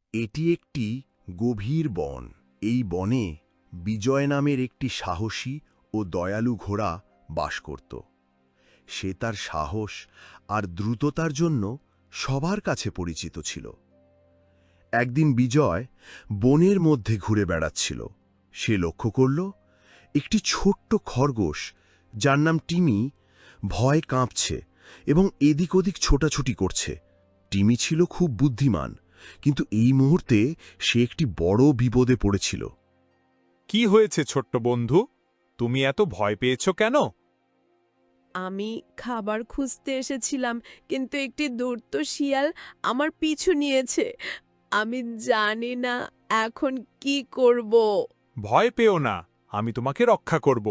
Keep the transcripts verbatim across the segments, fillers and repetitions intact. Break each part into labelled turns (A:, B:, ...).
A: এটি একটি গভীর বন। এই বনে বিজয় নামের একটি সাহসী ও দয়ালু ঘোড়া বাস করত। সে তার সাহস আর দ্রুততার জন্য সবার কাছে পরিচিত ছিল। একদিন বিজয় বনের মধ্যে ঘুরে বেড়াচ্ছিল। সে লক্ষ্য করল একটি ছোট্ট খরগোশ, যার নাম টিমি, ভয় কাঁপছে এবং এদিক ওদিক ছোটাছুটি করছে। টিমি ছিল খুব বুদ্ধিমান, কিন্তু এই মুহূর্তে সে একটি বড় বিপদে পড়েছিল।
B: কি হয়েছে ছোট্ট বন্ধু? তুমি এত ভয় পেয়েছ কেন?
C: আমি খাবার খুঁজতে এসেছিলাম, কিন্তু একটি ধূর্ত শিয়াল আমার পিছু নিয়েছে। আমি জানি না এখন কি করব।
B: ভয় পেও না, আমি তোমাকে রক্ষা করব।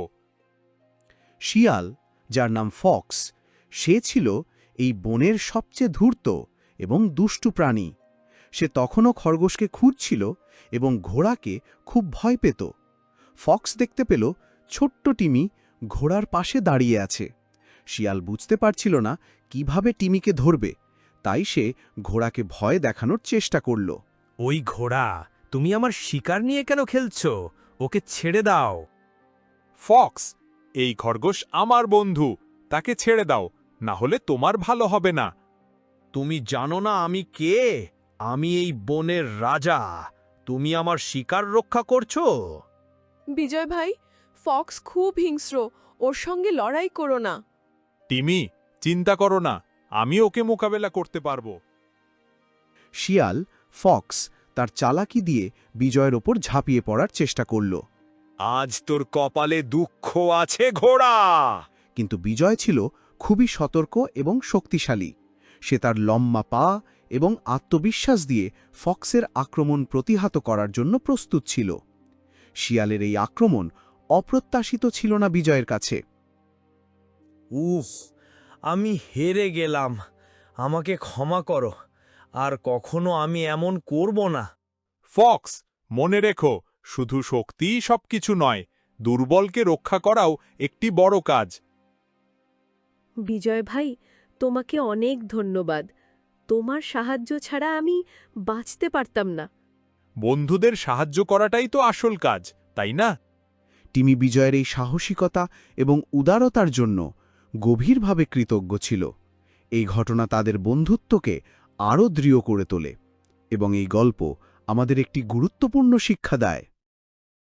D: শিয়াল, যার নাম ফক্স, সে ছিল এই বনের সবচেয়ে ধূর্ত এবং দুষ্টু প্রাণী। সে তখনও খরগোশকে খুঁজছিল এবং ঘোড়াকে খুব ভয় পেত। ফক্স দেখতে পেল ছোট্ট টিমি ঘোড়ার পাশে দাঁড়িয়ে আছে। শিয়াল বুঝতে পারছিল না কিভাবে টিমিকে ধরবে, তাই সে ঘোড়াকে ভয় দেখানোর চেষ্টা করল।
E: ওই ঘোড়া, তুমি আমার শিকার নিয়ে কেন খেলছো? ওকে ছেড়ে দাও।
B: ফক্স, এই খরগোশ আমার বন্ধু, তাকে ছেড়ে দাও, না হলে তোমার ভালো হবে না।
E: তুমি জানো না আমি কে? আমি এই বনের রাজা। তুমি আমার শিকার রক্ষা করছো?
C: বিজয় ভাই, ফক্স খুব হিংস্র, ওর সঙ্গে লড়াই করো না।
B: টিমি, চিন্তা করো না, আমি ওকে মোকাবেলা করতে পারবো।
D: শিয়াল, ফক্স তার চালাকি দিয়ে বিজয়ের ওপর ঝাঁপিয়ে পড়ার চেষ্টা করল।
E: আজ তোর কপালে দুঃখ আছে ঘোড়া।
D: কিন্তু বিজয় ছিল খুবই সতর্ক এবং শক্তিশালী। সে তার লম্বা পা এবং আত্মবিশ্বাস দিয়ে ফক্সের আক্রমণ প্রতিহত করার জন্য প্রস্তুত ছিল। শিয়ালের এই আক্রমণ অপ্রত্যাশিত ছিল না বিজয়ের কাছে।
E: উফ, আমি হেরে গেলাম। আমাকে ক্ষমা করো, আর কখনো আমি এমন করব না।
B: ফক্স, মনে রেখো, শুধু শক্তিই সবকিছু নয়, দুর্বলকে রক্ষা করাও একটি বড় কাজ।
C: বিজয় ভাই, তোমাকে অনেক ধন্যবাদ। তোমার সাহায্য ছাড়া আমি বাঁচতে পারতাম না।
B: বন্ধুদের সাহায্য করাটাই তো আসল কাজ, তাই না?
D: টিমি বিজয়ের এই সাহসিকতা এবং উদারতার জন্য গভীরভাবে কৃতজ্ঞ ছিল। এই ঘটনা তাদের বন্ধুত্বকে আরও দৃঢ় করে তোলে এবং এই গল্প আমাদের একটি গুরুত্বপূর্ণ শিক্ষা দেয়।